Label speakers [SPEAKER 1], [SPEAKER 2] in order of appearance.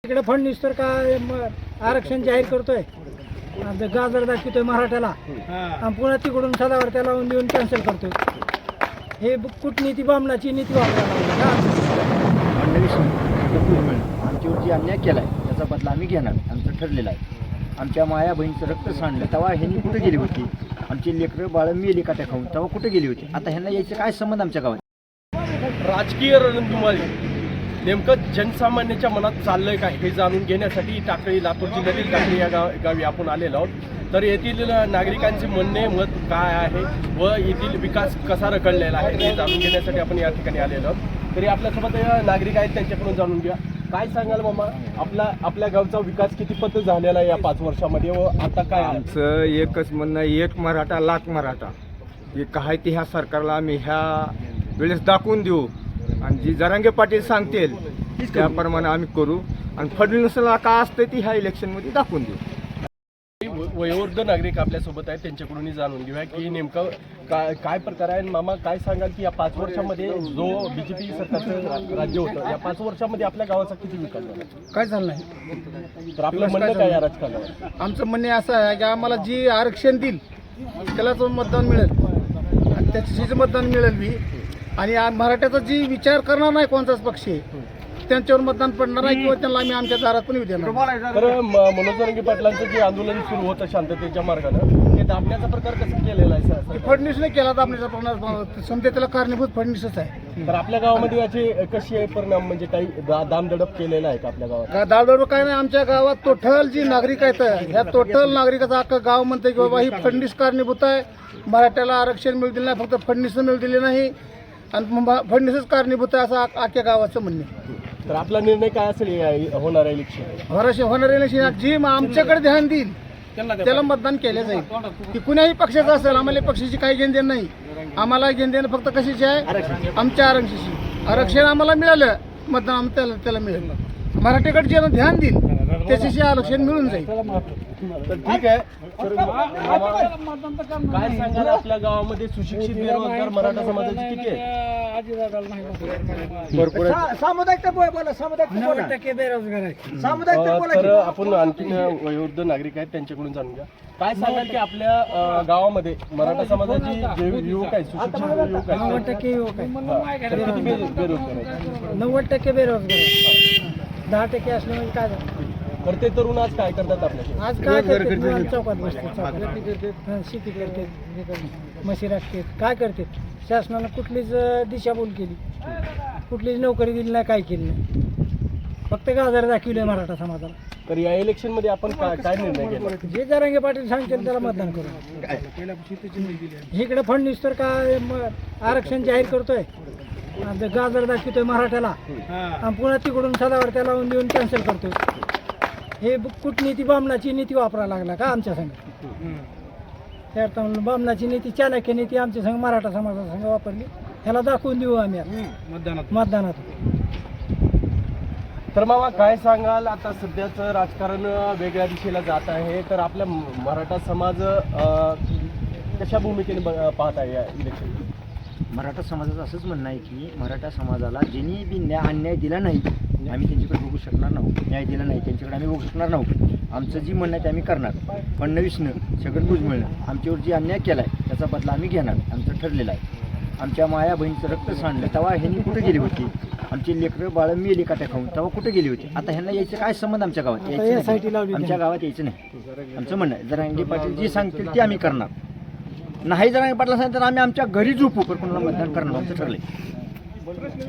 [SPEAKER 1] इकडे फडणवीस तर काय आरक्षण जाहीर करतोय, गाजर दाखवतोय मराठ्याला आणि पुन्हा तिकडून सदावर त्याला लावून देऊन कॅन्सल करतोय. हे कूटनीती बामणाची नीती वापरायला
[SPEAKER 2] आमच्यावर जी अन्याय केलाय त्याचा बदला आम्ही घेणार. आमचं ठरलेलं आहे. आमच्या माया बहिणीचं रक्त सांडलं तेव्हा ह्यांनी कुठे गेली होती? आमची लेकरं बाळं मेली काट्या खाऊन तेव्हा कुठे गेली होती? आता ह्यांना यायचं काय संबंध आमच्या गावात?
[SPEAKER 3] राजकीय रणधुमाळी नेमकं जनसामान्याच्या मनात चाललंय काय हे जाणून घेण्यासाठी टाकळी, लातूर जिल्ह्यातील टाकळी या गावी आपण आलेलो आहोत. तर येथील नागरिकांचे म्हणणे मत काय आहे व येथील विकास कसा रखडलेला आहे हे जाणून घेण्यासाठी आपण या ठिकाणी आलेलो आहोत. तरी आपल्यासोबत नागरिक आहेत, त्यांच्याकडून जाणून घ्या. काय सांगाल मामा, आपल्या गावचा विकास किती पत झालेला आहे या 5 वर्षामध्ये व आता काय?
[SPEAKER 4] आमचं एकच म्हणणं, एक मराठा लाख मराठा. हे काय ते ह्या सरकारला आम्ही ह्या वेळेस दाखवून देऊ आणि जी जरांगे पाटील सांगतील त्याप्रमाणे आम्ही करू आणि फडणवीसला काय असतं ती ह्या इलेक्शनमध्ये दाखवून देऊ.
[SPEAKER 3] वयोवृद्ध नागरिक आपल्यासोबत आहेत, त्यांच्याकडून जाणून घेऊया की नेमकं काय प्रकार आहे. मामा काय सांगाल की या 5 वर्षामध्ये जो बीजेपी सरकारचं राज्य होतं या 5 वर्षामध्ये आपल्या गावाचा किती विकास झाला?
[SPEAKER 1] काय चाललं आहे?
[SPEAKER 3] तर आपलं म्हणणं काय या राजकारणावर?
[SPEAKER 1] आमचं म्हणणे असं आहे की आम्हाला जी आरक्षण देईल त्यालाच मतदान मिळेल आणि त्याच्याशीच मतदान मिळेल बी. आणि मराठ्याचा जी विचार करणार नाही कोणताच पक्ष त्यांच्यावर मतदान पडणार नाही किंवा त्यांना आम्ही आमच्या दारात पण येऊ देणार.
[SPEAKER 3] तर मनोज जरांगे पाटलांचं जे आंदोलन सुरू होतं शांततेच्या मार्गानं ते दाबण्याचा प्रकार कसं केलेला आहे सर?
[SPEAKER 1] फडणवीसने केला तर आपल्याचा समजा त्याला कारणीभूत फडणवीसच आहे.
[SPEAKER 3] तर आपल्या गावामध्ये याचे कशी आहे परिणाम, म्हणजे काही दामदडप केलेला आहे का आपल्या गावात?
[SPEAKER 1] दाळदळ काय नाही, आमच्या गावात टोटल जी नागरिक आहेत ह्या टोटल नागरिकाचं अख्खं गाव म्हणते की बाबा ही फडणवीस कारणीभूत आहे. मराठ्याला आरक्षण मिळू दिलं नाही, फक्त फडणवीसनं मिळू दिले नाही आणि फडणवीसच कारणीभूत आहे असं अख्ख्या गावाचं म्हणणे.
[SPEAKER 3] तर आपला निर्णय काय असेल होणार इलेक्शन?
[SPEAKER 1] होणारे इलेक्शन जी आमच्याकडे ध्यान देईल त्याला मतदान केलं जाईल. की कुणाही पक्षाचं असेल, आम्हाला पक्षाची काही घेणदेण नाही. आम्हाला घेणदेण फक्त कशाची आहे? आमच्या आरक्षणाची. आरक्षण आम्हाला मिळालं, मतदान त्याला मिळेल. मराठीकडे जे ध्यान देईल त्याच्याशी आरक्षण मिळून जाईल.
[SPEAKER 3] तर ठीक आहे. तर काय सांगाल आपल्या गावामध्ये सुशिक्षित बेरोजगार मराठा समाजाची किती आहे?
[SPEAKER 2] भरपूर
[SPEAKER 3] तर आपण आणखी वयोवृद्ध नागरिक आहेत, त्यांच्याकडून जाणून घ्या. काय सांगाल की आपल्या गावामध्ये मराठा समाजाची जे युवक आहेत, सुशिक्षित युवक आहेत,
[SPEAKER 1] 90% युवक आहे.
[SPEAKER 3] तर किती बेरोजगार आहेत?
[SPEAKER 1] 90% बेरोजगार आहे. 10% असले म्हणजे काय झालं?
[SPEAKER 3] तर ते तरुण आज काय करतात आपल्या?
[SPEAKER 1] आज काय करते? चौकात बसते, शेती करते, म्हशी राखतात, काय करते? शासनानं कुठलीच दिशाभूल केली, कुठलीच नोकरी दिली नाही, काय केली नाही. फक्त गाजर दाखवले मराठा समाजाला.
[SPEAKER 3] तर या इलेक्शन मध्ये आपण काय निर्णय केला?
[SPEAKER 1] जे जरांगे पाटील सांगतील त्याला मतदान करू. इकडे फडणवीस तर काय आरक्षण जाहीर करतोय, गाजर दाखवतोय मराठ्याला आणि पुन्हा तिकडून सदावर त्याला लावून देऊन कॅन्सल करतोय. हे कूटनीती बामणाची नीती वापरायला लागला का आमच्या संघ? त्या अर्थानं बामणाची नीती, चाणक्य नीती आमच्या संघ मराठा समाजा संघ वापरली. ह्याला दाखवून देऊ आम्ही मतदानात.
[SPEAKER 3] तर मामा काय सांगाल, आता सध्याचं राजकारण वेगळ्या दिशेला जात आहे, तर आपला मराठा समाज कशा भूमिकेने पाहत आहे या इलेक्शन?
[SPEAKER 2] मराठा समाजाचं असंच म्हणणं आहे की मराठा समाजाला ज्यांनी बी अन्याय दिला नाही आम्ही त्यांच्याकडे बघू शकणार नाहोत. न्याय दिला नाही त्यांच्याकडे आम्ही बघू शकणार नाहोत. आमचं जी म्हणणं आहे ते आम्ही करणार. फडणवीसनं छगन भुजबळनं आमच्यावर जी अन्याय केला आहे त्याचा बदला आम्ही घेणार. आमचं ठरलेलं आहे. आमच्या माया बहिणीचं रक्त सांडलं तेव्हा ह्यांनी कुठे गेली होती? आमची लेकरं बाळं मेली काट्या खाऊन तेव्हा कुठे गेली होती? आता ह्यांना यायचं काय संबंध आमच्या गावात? यायचं नाही. आमच्या गावात यायचं नाही. आमचं म्हणणं आहे जरांगे पाटील जी सांगतील ते आम्ही करणार. नाही जरांगे पाटला सांगितलं तर आम्ही आमच्या घरी झोपू, पण कोणाला मतदान करणार. आमचं ठरलंय.